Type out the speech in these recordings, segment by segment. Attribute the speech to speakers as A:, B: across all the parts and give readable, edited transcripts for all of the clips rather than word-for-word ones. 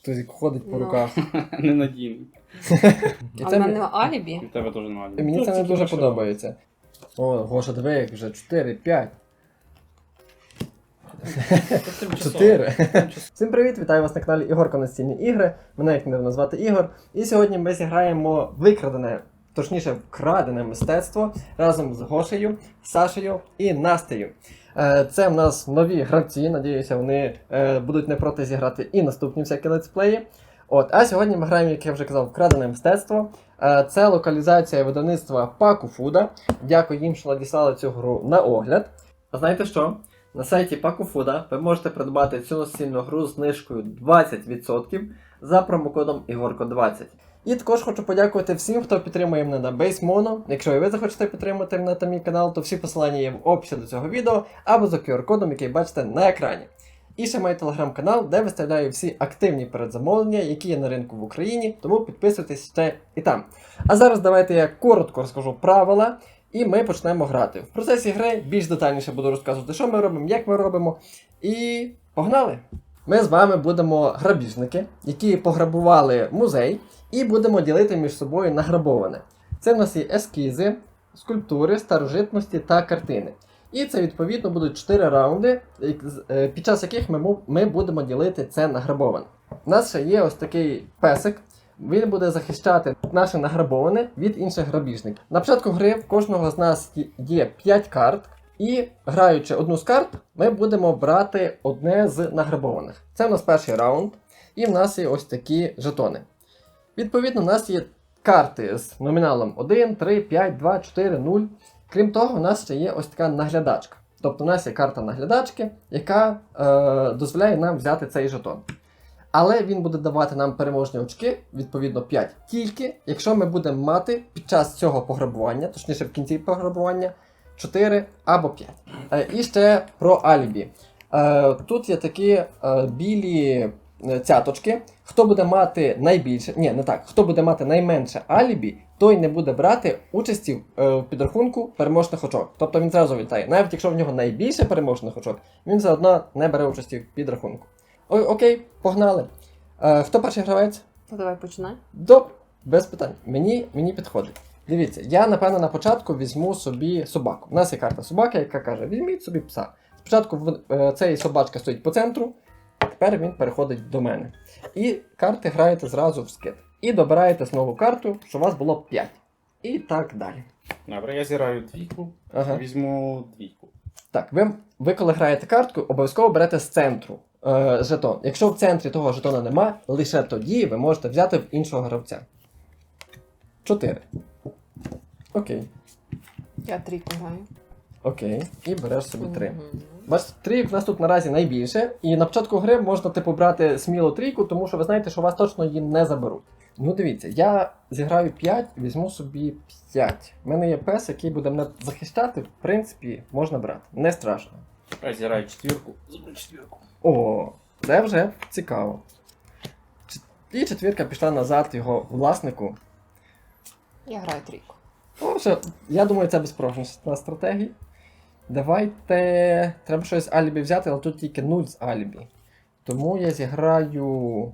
A: Тузик ходить по
B: Ну.
A: руках.
C: Ненадійний.
A: І
B: А
A: це
B: в мене алібі.
C: І в тебе теж немає.
A: мені це не
D: тільки
A: дуже
D: машина.
A: подобається. О, Гоша, диви, як вже 4, 5. 4. Всім привіт, вітаю вас на каналі Ігорко Настільні ігри. Мене як не назвати Ігор. І сьогодні ми зіграємо викрадене, точніше вкрадене мистецтво разом з Гошею, Сашею і Настею. Це в нас нові гравці, надіюся, вони будуть не проти зіграти і наступні всякі летсплеї. А сьогодні ми граємо, як я вже казав, вкрадене мистецтво. Це локалізація видавництва Паку Фуда. Дякую їм, що надіслали цю гру на огляд. А знаєте що? На сайті Паку Фуда ви можете придбати цю настільну гру з знижкою 20% за промокодом Ігорко20. І також хочу подякувати всім, хто підтримує мене на BaseMono. Якщо і ви захочете підтримати мене та мій канал, то всі посилання є в описі до цього відео або за QR-кодом, який бачите на екрані. І ще маю телеграм-канал, де виставляю всі активні передзамовлення, які є на ринку в Україні, тому підписуйтесь ще і там. А зараз давайте я коротко розкажу правила, і ми почнемо грати. В процесі гри більш детальніше буду розказувати, що ми робимо, як ми робимо. І погнали! Ми з вами будемо грабіжники, які пограбували музей, і будемо ділити між собою награбоване. Це в нас є ескізи, скульптури, старожитності та картини. І це, відповідно, будуть 4 раунди, під час яких ми будемо ділити це награбоване. У нас ще є ось такий песик. Він буде захищати наше награбоване від інших грабіжників. На початку гри в кожного з нас є 5 карт. І, граючи одну з карт, ми будемо брати одне з награбованих. Це в нас перший раунд. І в нас є ось такі жетони. Відповідно, у нас є карти з номіналом 1, 3, 5, 2, 4, 0. Крім того, у нас ще є ось така наглядачка. Тобто у нас є карта наглядачки, яка дозволяє нам взяти цей жетон. Але він буде давати нам переможні очки, відповідно 5, тільки якщо ми будемо мати під час цього пограбування, точніше в кінці пограбування, 4 або 5. І ще про алібі. Тут є такі білі цяточки. Хто буде мати найбільше, хто буде мати найменше алібі, той не буде брати участі в підрахунку переможних очок. Тобто він зразу вітає. Навіть якщо в нього найбільше переможних очок, він все одно не бере участі в підрахунку. Окей, погнали. Хто перший гравець?
B: Давай починай.
A: Добре, без питань. Мені підходить. Дивіться, я, напевно, на початку візьму собі собаку. У нас є карта собаки, яка каже, візьміть собі пса. Спочатку цей собачка стоїть по центру, тепер він переходить до мене. І карти граєте зразу в скид. І добираєте знову карту, що у вас було 5. І так далі.
C: Добре, я зіграю двійку, візьму двійку.
A: Так, ви коли граєте картку, обов'язково берете з центру жетон. Якщо в центрі того жетона нема, лише тоді ви можете взяти в іншого гравця. 4. Окей.
B: Я трійку граю.
A: Окей. І береш собі 3. Бачите, трійок в нас тут наразі найбільше. І на початку гри можна брати сміло трійку, тому що ви знаєте, що вас точно її не заберуть. Ну дивіться, я зіграю 5, візьму собі 5. У мене є пес, який буде мене захищати, в принципі, можна брати. Не страшно.
C: Я зіграю четвірку, заберу четвірку.
A: О, це вже цікаво. І четвірка пішла назад його власнику.
B: Я граю трійку.
A: Я думаю, це безпрограшна стратегія. Давайте. Треба щось алібі взяти, але тут тільки 0 з алібі. Тому я зіграю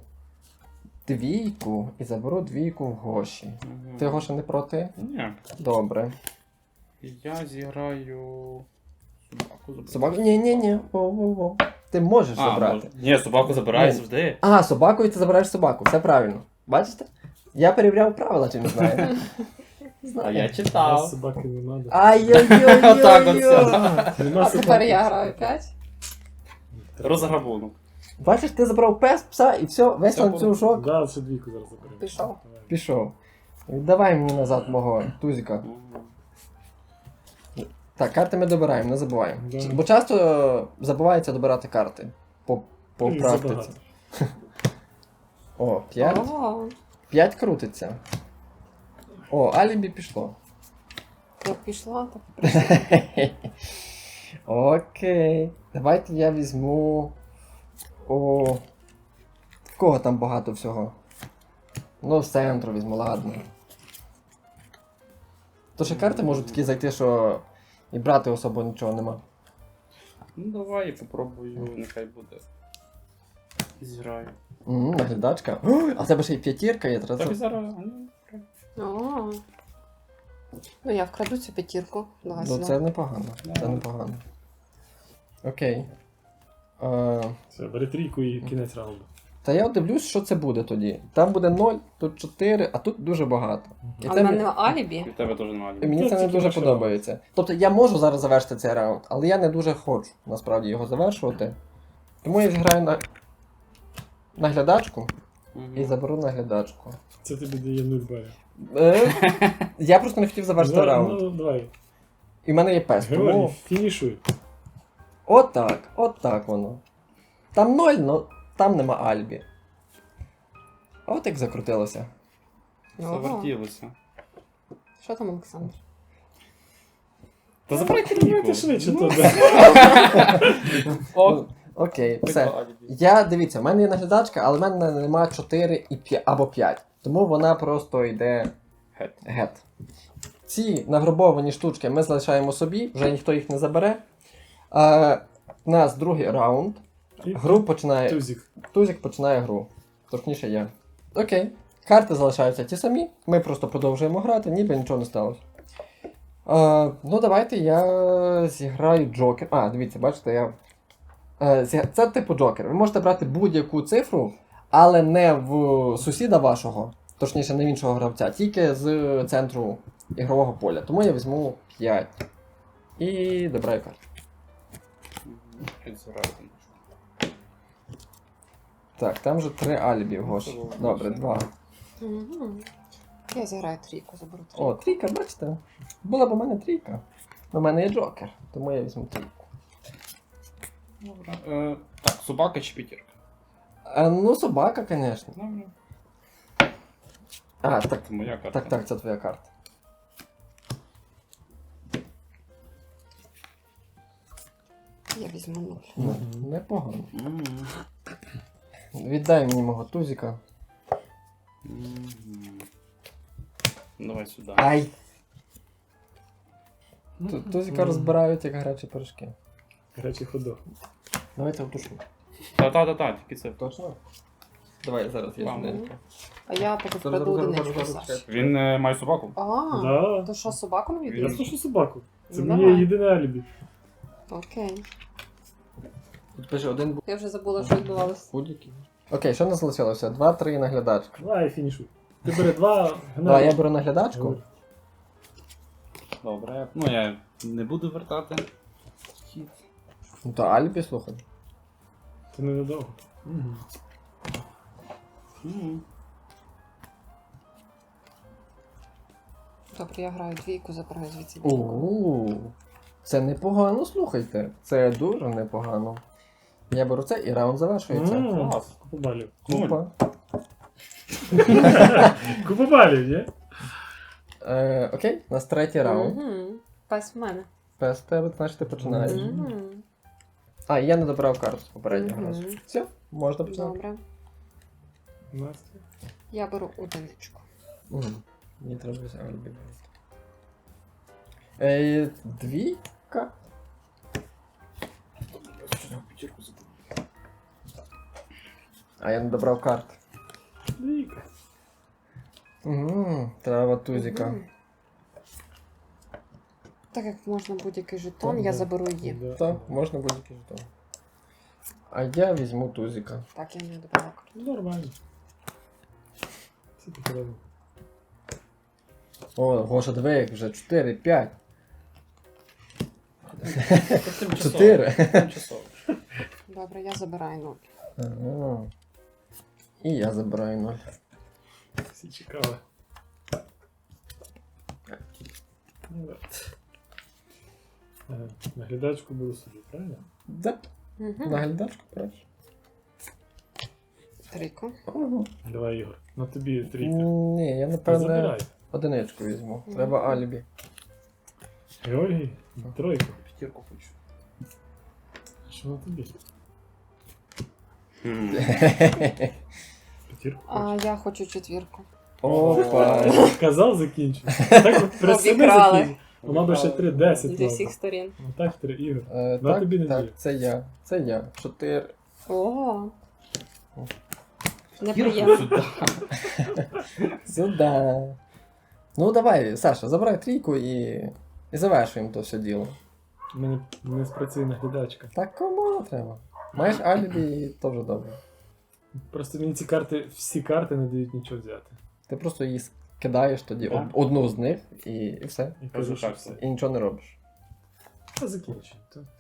A: двійку і заберу двійку в Гоші. Ти, Гоша, не проти?
C: Ні.
A: Добре.
C: Я зіграю собаку.
A: Собаку? Ні. Воу. Ти можеш забрати.
C: Ні, собаку забираю завжди.
A: Собакою ти забираєш собаку, все правильно. Бачите? Я перевіряв правила, чи не знаю.
C: А я читав.
D: Собаки не надо.
C: Отак от все.
B: А тепер я граю 5.
C: Розграбунок.
A: Бачиш, ти забрав пса і все, весь
C: Все
A: ланцюжок
D: Да, ще двійку зараз заберемо.
B: Пішов.
A: пішов. Віддавай мені назад мого тузика. Так, карти ми добираємо, не забуваємо.
D: Да.
A: Бо часто забувається добирати карти. По практиці.
D: Забагато.
A: О, 5.
B: Ого.
A: 5 крутиться. О, алібі пішло.
B: Як пішла, так.
A: Окей. Давайте я візьму. В кого там багато всього? Ну, з центру візьму, ладно. То ще карти можуть такі зайти, що і брати особо нічого нема.
C: Ну давай я попробую, нехай буде. і зіграю.
A: Наглядачка. О, а в тебе ще й п'ятірка є,
C: Так і
A: треба.
C: зараз.
B: О. Ну я вкраду цю п'ятірку. Давай
A: Ну
B: сюди.
A: це непогано. Це непогано. Окей.
D: Все, бери трійку і кінець раунду.
A: Та я от дивлюсь, що це буде тоді. Там буде 0, тут 4, а тут дуже багато. І
B: А в
A: це
B: мене алібі.
C: І в тебе теж немає.
A: і мені
D: Це
A: це не
D: тільки
A: дуже
D: ваше
A: подобається. Тобто я можу зараз завершити цей раунд, але я не дуже хочу насправді його завершувати. Тому я зіграю на наглядачку і заберу наглядачку.
D: Це тобі дає 0 балів.
A: Я просто не хотів завершити раунд.
D: Ну, давай.
A: І в мене є пес,
D: Георгій,
A: тому
D: фінішуй.
A: от так воно. Там 0, але там нема Альбі. А от як закрутилося.
C: Завертілося.
B: Що там, Олександр?
C: Та забирай
D: Давайте
C: трійку.
D: швидше
C: Ну,
D: туди.
C: О,
A: Окей, все. Дивіться, в мене є наглядачка, але в мене нема 4 і 5, або 5. Тому вона просто йде гет. Ці награбовані штучки ми залишаємо собі, вже ніхто їх не забере. У нас другий раунд. Гру починає.
D: Тузик.
A: Тузик починає гру. Точніше я. Окей. Карти залишаються ті самі. Ми просто продовжуємо грати, ніби нічого не сталося. Ну, давайте я зіграю Джокер. Дивіться, бачите, я. Це типу Джокер. Ви можете брати будь-яку цифру, але не в сусіда вашого, точніше, не в іншого гравця, тільки з центру ігрового поля. Тому я візьму 5. І добираю карту. Так, там же 3 альбі, Гош. Добре, 2.
B: Угу. Я зіграю трійку, заберу трійку.
A: О, трійка, бачите? Була б у мене трійка. У мене є Джокер, тому я візьму трійку.
C: Так, собака чи п'ятірка?
A: Ну, собака, звісно.
C: Добре.
A: Так,
C: Це моя карта.
A: так, це твоя карта.
B: Я візьму 0.
A: Ну, непогано.
C: Мгм.
A: Віддай мені мого тузика.
C: Мгм. Давай сюди.
A: Ай! Тузика розбирають як гарячі пирожки.
D: Гарячий ходок.
A: Давайте втушу.
C: Та, тільки це.
A: Точно? Давай, зараз я
C: Ладно.
A: швиденько.
B: А я поки
A: Зараз,
B: вкраду
A: зараз,
B: одиничку,
A: зараз,
B: Саш.
C: Він має собаку?
D: Да.
B: То що, собаку не
D: Я
B: віддаєш?
D: слышу собаку. Це
B: Ну,
D: моє
B: давай.
D: єдине алібі.
B: Окей.
A: Тут пише один був
B: Я вже забула, що відбувалося.
A: будь-який. Окей, що не залишилося? 2-3 наглядачка.
D: Давай, фінішуй. Ти бери 2,
A: Давай, я беру наглядачку.
C: Добре. Ну я не буду вертати. Хід.
A: Ну то Альбі, слухай.
D: Це ненадовго.
C: Мгм.
B: Добре, я граю двійку, забираю звідси.
A: Це непогано, слухайте. Це дуже непогано. Я беру це і раунд завершується.
C: Клас.
D: Купа балів.
A: Купа.
D: Купа балів, ні?
A: Окей, у нас третій раунд.
B: Угу. Пес в мене.
A: Пес в тебе, значить ти починаєш.
B: Угу.
A: Я не добрав карту з попереднього
B: Мгм.
A: разу. Все, можна починати.
B: Добре.
D: Настя.
B: Я беру одиничку.
A: Мені треба взяти Альбі. Двійка?
C: П'ятірку забув.
A: Я не добрав карт.
D: Двійка.
A: Треба тузика.
B: Мгм. Так як можна будь-який жетон,
A: Так,
B: я
A: да.
B: заберу її.
D: Да.
A: Так, можна будь-який жетон. А я візьму тузика.
B: Так, я не добрала карту.
D: Ну, нормально. Все таке робимо.
A: О, Гоша, диви, як вже 4, 5.
C: Тимчасово.
A: 4.
C: Тимчасово.
B: Добре, я забираю 0.
A: Ага. І я забираю 0.
D: Всі чекали. Ну, да. Наглядачку беру собі, правильно?
A: Да,
B: Угу.
A: наглядачку браш.
B: Трійку.
A: Ого.
D: Давай, Ігор. На тобі трійка.
A: Ні, я
D: Та
A: напевне
D: забирай.
A: одиничку візьму. Треба алібі.
D: Георгій, тройку.
C: П'ятірку хочу.
D: Що на тобі?
C: Мгм.
D: П'ятірку?
B: А я хочу четвірку.
A: Опа.
D: Казав, закінчив. Так от при себе
B: Обікрали.
D: закінчив. Вона би ще 3-10
B: Зі
D: мала.
B: всіх сторін.
D: Ну так, 3 ігор.
A: Так,
D: тобі не
A: так,
D: дію.
A: це я. Це я. 4.
B: О, Неприємно.
C: Сюди.
A: Сюда. Ну давай, Саша, забирай трійку і завершуємо то все діло.
D: У мене не спрацює наглядачка.
A: Так кому треба? Маєш алібі і то вже добре.
D: Просто мені ці карти, всі карти не дають нічого взяти.
A: Ти просто її кидаєш тоді
C: Так.
A: одну з них і все.
D: І
C: Кажу,
D: кажу, що
C: так,
D: все.
C: все.
A: І нічого не робиш.
D: Та закінчуй.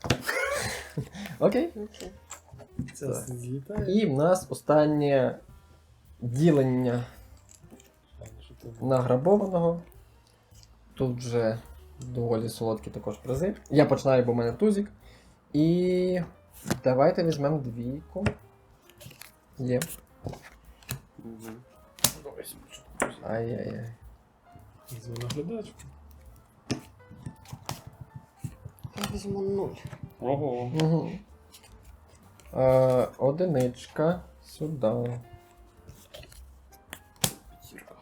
A: Окей.
B: Окей.
D: Це
A: Так.
D: злітає.
A: І в нас останнє ділення
D: Що ти-
A: награбованого. Тут вже доволі солодкі також призи. Я починаю, бо в мене тузик. І давайте візьмемо двійку. Є.
C: Мгм.
A: Ай-яй-яй.
D: Візьму наглядачку.
B: Я візьму 0.
C: Ого.
A: Угу. Одиничка. Сюди.
C: П'ятірка.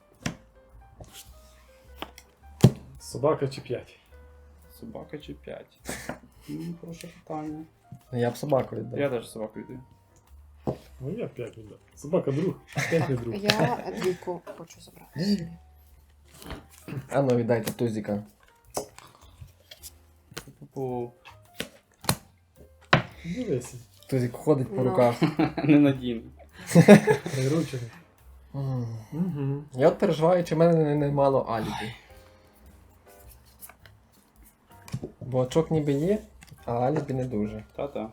D: Собака чи 5?
C: Собака чи 5? Хороше питання.
A: Я б собаку віддав.
C: Я теж собаку йду.
D: Ну я 5 віддав. Собака друг, 5 не друг.
B: Я двійку хочу забрати собі.
A: А ну віддайте тузика.
C: Пу-пу.
D: Дивися,
A: Тузик ходить по
B: Ну.
A: руках.
C: Ненадійно.
D: приручений.
A: М.
D: Угу.
A: Я от переживаю, чи в мене немало алібі. Бо очок ніби є, а алібі не дуже.
C: Та-та.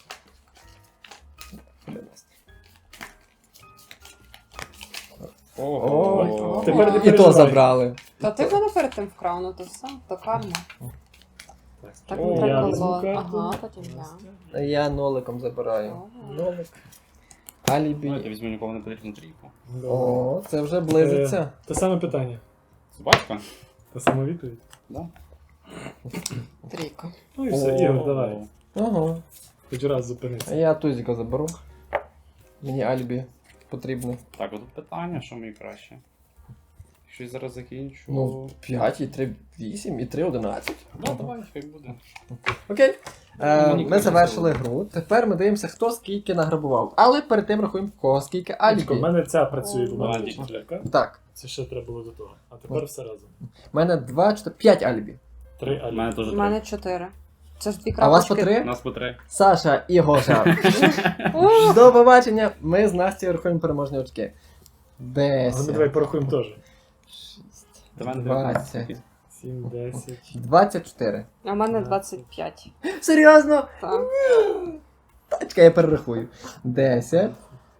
A: О,
D: Тепер не
A: І то
D: переживай.
A: забрали.
B: Та ти мене перед тим вкрав, ну то все, то карма. Так
C: О,
B: не
D: я
B: треба
D: візьму
B: було.
D: карту.
B: Ага, потім я.
A: Я ноликом забираю.
B: Ого.
A: Нолик.
C: Я
A: Алібі.
C: візьму нікому не потрібну трійку.
A: О, це вже близиться.
D: Те саме питання.
C: Собачка?
D: Та сама відповідь.
C: Да.
B: Трійка.
D: Ну і все,
A: О.
D: Ігор, давай.
A: Ого.
D: Хоч раз зупинися.
A: Я тузика заберу. Мені алібі потрібно.
C: Так, от тут питання, що мені краще. Якщо я зараз закінчу.
A: Ну, 5 і 3, 8 і 3, 11.
C: Да, давай, хай буде.
A: Окей.
C: Мені
A: Ми
C: краще
A: завершили
C: було.
A: гру. Тепер ми дивимося, хто скільки награбував. Але перед тим рахуємо, в кого скільки
D: Чекай, в
A: алібі.
D: мене ця працює, бо в мене
C: Ладно.
D: вчителька.
A: Так,
D: Це ще треба було до того. А тепер все разом.
A: в мене 2, 4, 5 алібі.
D: 3
C: У
D: алі.
C: мене теж
B: У
C: 3.
B: мене 4. Це ж дві
A: А у вас по
B: крапочки.
A: 3?
C: У нас по 3.
A: Саша і Гоша.
B: О,
A: До побачення. Ми з Настю рахуємо переможні очки.
D: Але ми давай
A: 10,
D: порахуємо теж.
A: 20,
D: 7, 10.
A: 24.
B: А в мене 25.
A: Серйозно?
B: Так.
A: Тачка, я перерахую. 10.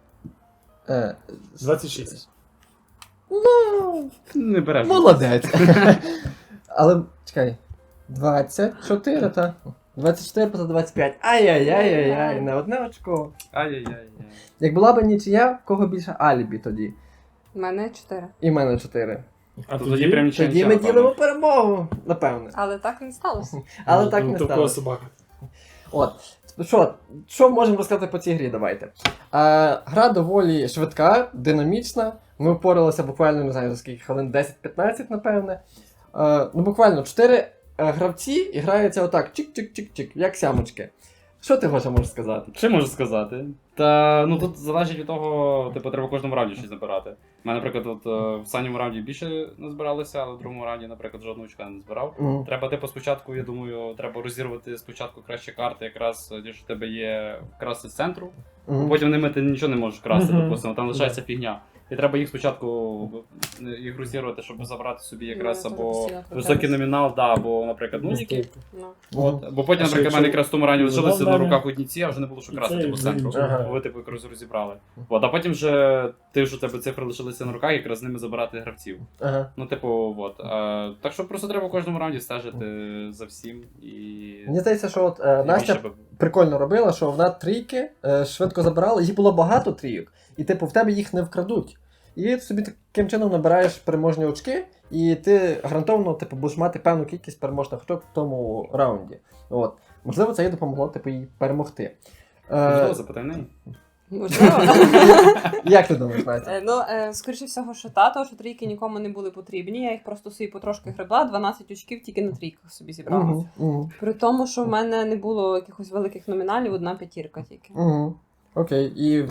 D: 26.
A: Ну,
C: Не береш.
A: молодець. Але, чекай. 24, та? 24 плюс 25. Ай-яй-яй-яй-яй, на одне очко.
C: Ай-яй-яй.
A: Як була б нічия, в кого більше алібі тоді?
B: У мене 4.
A: І в мене 4.
D: А
C: Тоді прям нічого
A: Тоді ми ділимо перемогу, напевне.
B: Але так і не сталося.
A: Але так не
D: Такого
A: сталося.
D: собака.
A: От. Що можемо розказати по цій грі? Давайте. Гра доволі швидка, динамічна. Ми впоралися буквально, не знаю, за скільки хвилин, 10-15, напевне. Ну, буквально 4 гравці і граються отак, чик-чик-чик-чик, як сямочки. Що ти, Гоша, можеш сказати?
C: Що можу сказати? Та ну тут залежить від того, типу, треба в кожному раунді щось набирати. У мене, наприклад, от, в останньому раунді більше не збиралися, але в другому раунді, наприклад, жодного очка не збирав.
A: Мгм.
C: Треба, типу, спочатку, я думаю, треба розірвати спочатку кращі карти, якраз ті, що в тебе є красти з центру.
A: Мгм.
C: Потім ними ти нічого не можеш красти,
D: Мгм.
C: допустимо, там лишається фігня. І треба їх спочатку їх розірвати, щоб забрати собі якраз
B: Ну,
C: або
B: постійно
C: високий
B: крутитись.
C: номінал, да, або, наприклад, нуліки.
B: Ну.
C: От. Бо потім,
D: А що,
C: наприклад, в мене
D: якщо
C: якраз в тому рані лишилися
D: вона
C: на
D: в мене-
C: руках одні ці, а вже не було що
D: І
C: красти
D: це,
C: по
D: і
C: центру.
D: ага.
C: Бо ви типу якраз розібрали. От, а потім вже ти ж у тебе цифри лишилися на руках, якраз з ними забирати гравців.
A: Ага.
C: Ну, типу, от. Так що просто треба в кожному раунді стежити за всім і.
A: Мені здається, що от
C: і
A: Настя
C: більше би-
A: прикольно робила, що вона трійки швидко забирала, їх було багато трійок, і типу в тебе їх не вкрадуть. І ти собі таким чином набираєш переможні очки, і ти гарантовано типу, будеш мати певну кількість переможних очок в тому раунді. От. Можливо, це їй допомогло типу, їй перемогти.
C: Можливо, запитай в неї.
B: Можливо.
A: Як ти думаєш, Настя?
B: Ну, скоріше всього, що того, що трійки нікому не були потрібні. Я їх просто собі потрошки гребла, 12 очків тільки на трійках собі зібрала.
A: Угу, угу,
B: При тому, що в мене не було якихось великих номіналів, одна п'ятірка тільки.
A: угу. Окей, і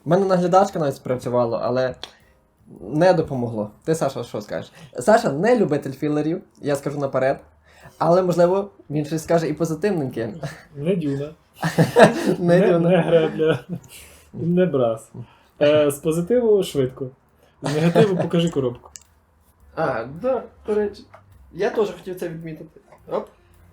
A: У мене наглядачка навіть спрацювала, але не допомогло. Ти, Саша, що скажеш? Саша не любитель філерів, я скажу наперед. Але, можливо, він щось скаже і позитивненьке.
D: Не дюна,
A: Не дивно.
D: не гребля, не брас. З позитиву швидко. З негативу покажи коробку.
A: А, да, до речі. Я теж хотів це відмітити. Оп.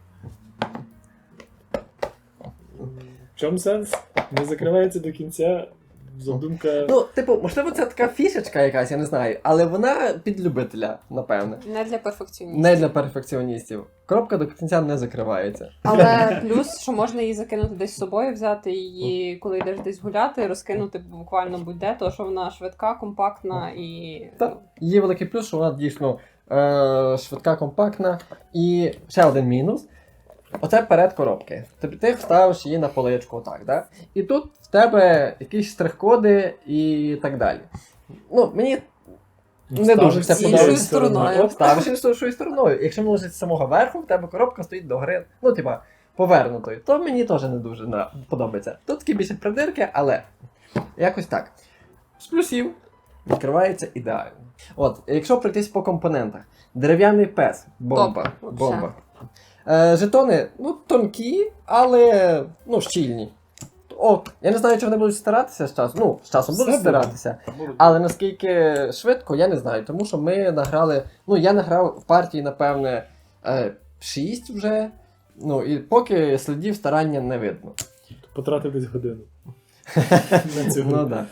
D: В чому сенс? Не закривається до кінця. Задумка.
A: Ну, типу, можливо, це така фішечка якась, я не знаю, але вона під любителя, напевне.
B: Не для перфекціоністів.
A: Не для перфекціоністів. Коробка до кінця не закривається.
B: Але плюс, що можна її закинути десь з собою, взяти її, коли йдеш десь гуляти, розкинути буквально будь-де, то що вона швидка, компактна і.
A: Так. Є великий плюс, що вона дійсно швидка, компактна. І ще один мінус. Оце перед коробки. Тобто ти вставиш її на поличку, отак, да? І тут в тебе якісь штрих-коди і так далі. Ну, мені не дуже це
B: іншою
A: подобається.
B: стороною.
A: От, ставиш іншою стороною. Якщо воно лежить з самого верху, в тебе коробка стоїть догори, ну, типа, повернутою, то мені теж не дуже подобається. Тут такі більше придирки, але якось так. З плюсів відкривається ідеально. От, якщо пройтись по компонентах. Дерев'яний пес, бомба.
B: Топ,
A: Бомба. Жетони, ну, тонкі, але, ну, щільні. О, я не знаю, чи вони будуть старатися з часом. Ну, з часом будуть
D: Все буде.
A: старатися. Але наскільки швидко, я не знаю. Тому що ми награли. Ну, я награв в партії, напевне, 6 вже. Ну, і поки слідів старання не видно.
D: Потратив десь годину. На цю
A: Ну,
D: гру.
A: да.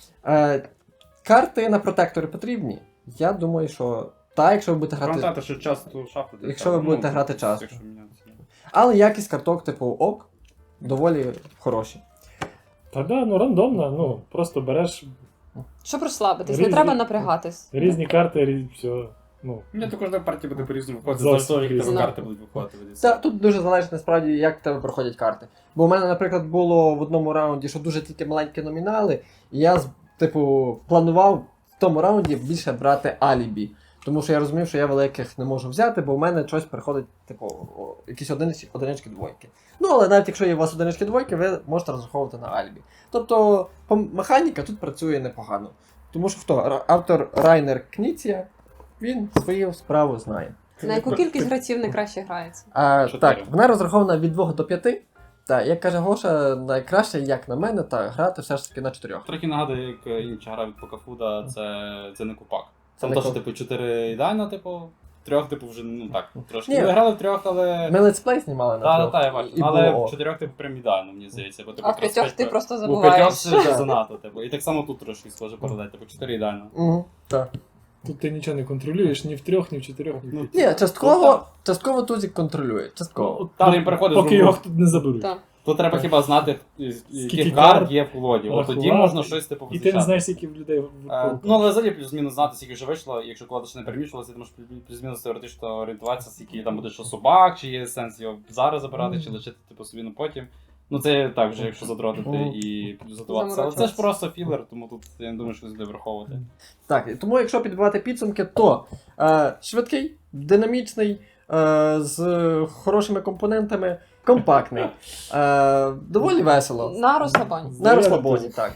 A: Карти на протектори потрібні. Я думаю, що. Та, якщо ви будете грати.
C: Пам'ятати, що часто шахти.
A: Якщо ви будете грати часто.
C: Якщо мінятися.
A: Але якість карток, типу, ок, доволі хороші.
D: Та да, ну рандомно, ну просто береш
B: Щоб розслабитись, не
D: Різні-
B: треба напрягатись.
D: різні карти, все. Ну,
C: Мені також на партії буде по-різному виходити.
D: Зовсім
C: Завжди як тебе
D: різно.
C: карти будуть виходити.
A: Це тут дуже залежить насправді, як в тебе проходять карти. Бо у мене, наприклад, було в одному раунді, що дуже тільки маленькі номінали, і я, типу, планував в тому раунді більше брати алібі. Тому що я розумів, що я великих не можу взяти, бо в мене щось приходить, типу, якісь одинички, двойки. Ну, але навіть якщо є у вас одинички, двойки, ви можете розраховувати на алібі. Тобто, механіка тут працює непогано. Тому що хто? Автор Райнер Кніція, він свою справу знає.
B: На яку кількість гравців найкраще грається?
C: Чотири.
A: Так, вона розрахована від 2 до 5. Так, як каже Гоша, найкраще, як на мене, грати все ж таки на 4.
C: Трохи нагадує, як інша гра від Покафуда, це не купак.
A: Це
C: Там
A: не
C: теж,
A: куп-
C: типу, 4 ідеально, типу, 3, типу, вже, ну так, трошки.
A: Ні.
C: Ми грали в 3, але.
A: Ми летсплей знімали на
C: Так,
A: 3.
C: так, я бачу.
A: І
C: Але
A: було.
C: в 4, типу, прям ідеально, мені здається. Бо, типу,
B: А в
C: якраз
B: 5 ти
C: п'ять-
B: просто
C: У 5
B: забуваєш.
C: це вже занадто, типу. І так само тут трошки схоже паралель, типу, 4 ідеально.
A: Угу, так.
D: тут ти нічого не контролюєш ні в 3, ні в 4, ні в 5.
A: Ні, частково Тузік контролює. Частково.
D: Ну,
C: Там він переходить
D: поки
C: з
D: його
C: другого.
D: тут не заберуть.
B: Так.
C: Тут треба хіба знати,
D: Скільки
C: яких
D: карт,
C: карт є в колоді. От тоді
D: рахувати.
C: можна щось, типу,
D: І ти не
C: визначати.
D: знаєш, скільки в людей в
C: Ну, але взагалі плюс-мінус знати, скільки вже вийшло, якщо колода ще не перемішувалася, ти можеш плюс-мінус теоретично орієнтуватися, скільки там буде що собак, чи є сенс його зараз забирати, чи лишити типу собі на потім. Ну це так вже, якщо задротити і підготуватися. Але це ж просто філер, тому тут я не думаю, що буде враховувати.
A: Так, і тому якщо підбивати підсумки, то швидкий, динамічний, з хорошими компонентами, компактний, доволі весело.
B: На розслабоні.
A: На розслабоні, так.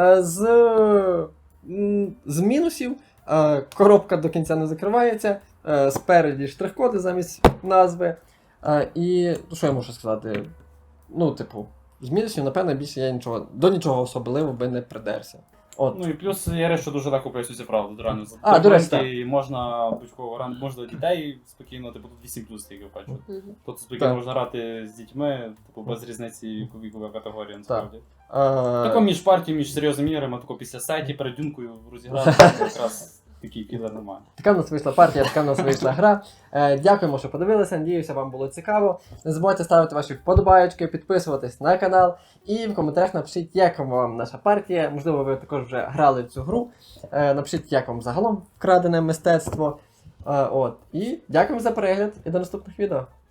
A: З мінусів коробка до кінця не закривається, спереді штрих-коди замість назви. І ну, що я можу сказати? Ну, типу, з мінусів, напевно, більше я до нічого особливого би не придерся. От.
C: Ну і плюс є, що дуже легко пояснюється правда, реально. За
A: А, до речі,
C: і можна будь-кого грати, можна дітей спокійно, типу тут 8 плюс тільки бачу.
B: Мгм.
C: Тут спокійно
A: Так.
C: можна грати з дітьми, типу без різниці вікова категорія, насправді.
A: Е,
C: Тако між партією, між серйозними іграми, тако після сеті перед дюнкою розіграти, якраз такий філер немає.
A: Така в нас вийшла партія, така в нас вийшла гра. Дякуємо, що подивилися. Надіюся, вам було цікаво. Не забувайте ставити ваші вподобаєчки, підписуватись на канал. І в коментарях напишіть, як вам наша партія. Можливо, ви також вже грали в цю гру. Напишіть, як вам загалом вкрадене мистецтво. І дякуємо за перегляд і до наступних відео.